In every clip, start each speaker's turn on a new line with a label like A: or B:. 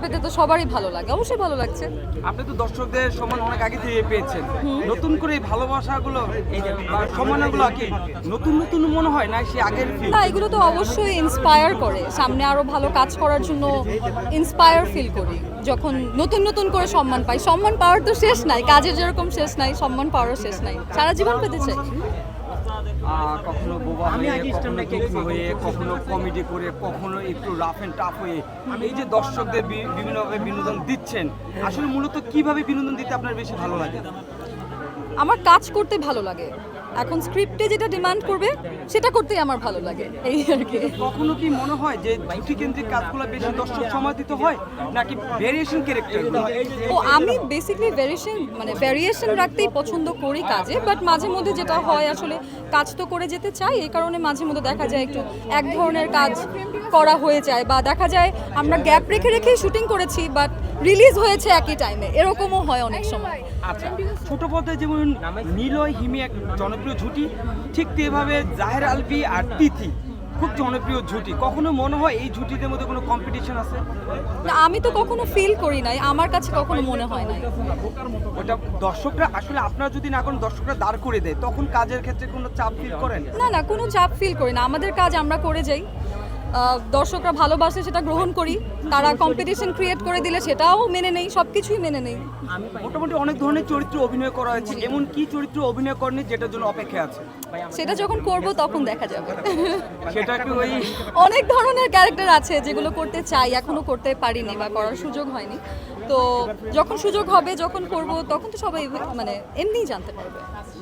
A: পেতে তো সবারই ভালো লাগে, অবশ্যই ভালো লাগছে।
B: আপনি তো দর্শকদের সম্মান অনেক আগে থেকে পেয়েছেন, নতুন করে এই ভালোবাসাগুলো এই যে সম্মানগুলো কি নতুন নতুন মনে হয় না সে আগের feel?
A: না, এগুলো তো অবশ্যই ইন্সপায়ার করে, সামনে আরো ভালো কাজ করার জন্য ইন্সপায়ার ফিল করি যখন নতুন নতুন করে সম্মান পাই। সম্মান পাওয়ার তো শেষ নাই, কাজের যেরকম শেষ নাই, সম্মান পাওয়ারও শেষ নাই, সারা জীবন পেতে চাই।
B: কখনো বোবা হয়ে, কখনো দুঃখী হয়ে, কখনো কমেডি করে, কখনো একটু রাফ এন্ড টাফ হয়ে এই যে দর্শকদের বিভিন্নভাবে বিনোদন দিচ্ছেন, আসলে মূলত কিভাবে বিনোদন দিতে আপনার বেশি ভালো লাগে?
A: আমার কাজ করতে ভালো লাগে, এখন স্ক্রিপ্টে যেটা ডিমান্ড করবে সেটা করতেই আমার ভালো লাগে, এই আর কি।
B: কখনো কি মনে হয় যে ঝুঁকি কেন্দ্রিক কাজগুলো বেশি দর্শক সময় দিতে হয় নাকি ভেরিয়েশন ক্যারেক্টার?
A: ও আমি বেসিক্যালি ভ্যারিয়েশন রাখতেই পছন্দ করি কাজে, বাট মাঝে মধ্যে যেটা হয় আসলে কাজ তো করে যেতে চাই, এই কারণে মাঝে মধ্যে দেখা যায় একটু এক ধরনের কাজ করা হয়ে যায়, বা দেখা যায় আমরা গ্যাপ রেখে রেখেই শুটিং করেছি বাট রিলিজ হয়েছে একই টাইমে, এরকমও হয় অনেক সময়।
B: আচ্ছা, ছোট পর্দায় যেমন নিলয় হিমি এক জনপ্রিয় জুটি, ঠিক তেভাবে জাহের আলভি আর তিথি খুব জনপ্রিয় জুটি। কখনো মনে হয় এই জুটিদের মধ্যে কোনো কম্পিটিশন আছে?
A: না, আমি তো কখনো ফিল করি নাই, আমার কাছে কখনো মনে হয় নাই।
B: ওটা দর্শকরা আসলে আপনারা যদি না করেন, দর্শকরা দাঁড় করে দেয়, তখন কাজের ক্ষেত্রে কোনো চাপ ফিল করেন?
A: না না, কোনো চাপ ফিল করি না, আমাদের কাজ আমরা করে যাই, দর্শকরা ভালোবাসে সেটা গ্রহণ করি, তারা কম্পিটিশন ক্রিয়েট করে দিলে সেটাও মেনে নেই, সব কিছুই মেনে নেই।
B: মোটামুটি অনেক ধরনের চরিত্র অভিনয় করা হয়েছে, এমন কি চরিত্র অভিনয় করেনি যেটার জন্য অপেক্ষা আছে?
A: সেটা যখন করব তখন দেখা যাবে।
B: সেটা কি ওই
A: অনেক ধরনের ক্যারেক্টার আছে যেগুলো করতে চাই, এখনো করতে পারিনি বা করার সুযোগ হয়নি, তো যখন সুযোগ হবে, যখন করব, তখন তো সবাই এমনিই জানতে পারবে।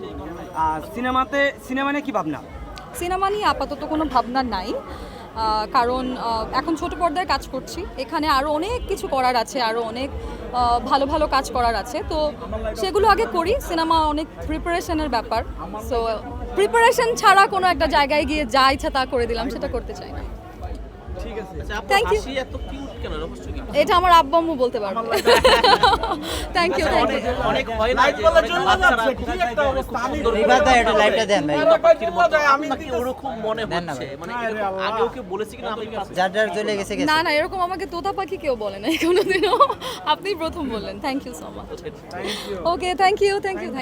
B: সিনেমা নিয়ে কি ভাবনা?
A: সিনেমা নিয়ে আপাতত কোনো ভাবনা নাই, কারণ এখন ছোট পর্দায় কাজ করছি, এখানে আরও অনেক কিছু করার আছে, আরও অনেক ভালো ভালো কাজ করার আছে, তো সেগুলো আগে করি। সিনেমা অনেক প্রিপারেশনের ব্যাপার, সো প্রিপারেশন ছাড়া কোনো একটা জায়গায় গিয়ে যা ইচ্ছা তা করে দিলাম সেটা করতে চাই না।
B: ঠিক আছে,
A: থ্যাংক ইউ। এটা আমার আব্বু আম্মু বলতে পারবে। Thank you, thank you.
C: অনেক হয় না যে বাচ্চারা খুব একটা সুন্দর
D: রিবাদা এটা লাইভটা দেন ভাই,
C: আপনাকে ওরকম মনে হচ্ছে, মানে এরকম আগেও কেউ বলেছে কিনা আমি
D: যার যার চলে গেছে
A: না না, এরকম আমাকে তোতা পাখি কেউ বলে নাই কোনোদিনও, আপনি প্রথম বললেন। Thank you so much. Okay, thank you, thank you.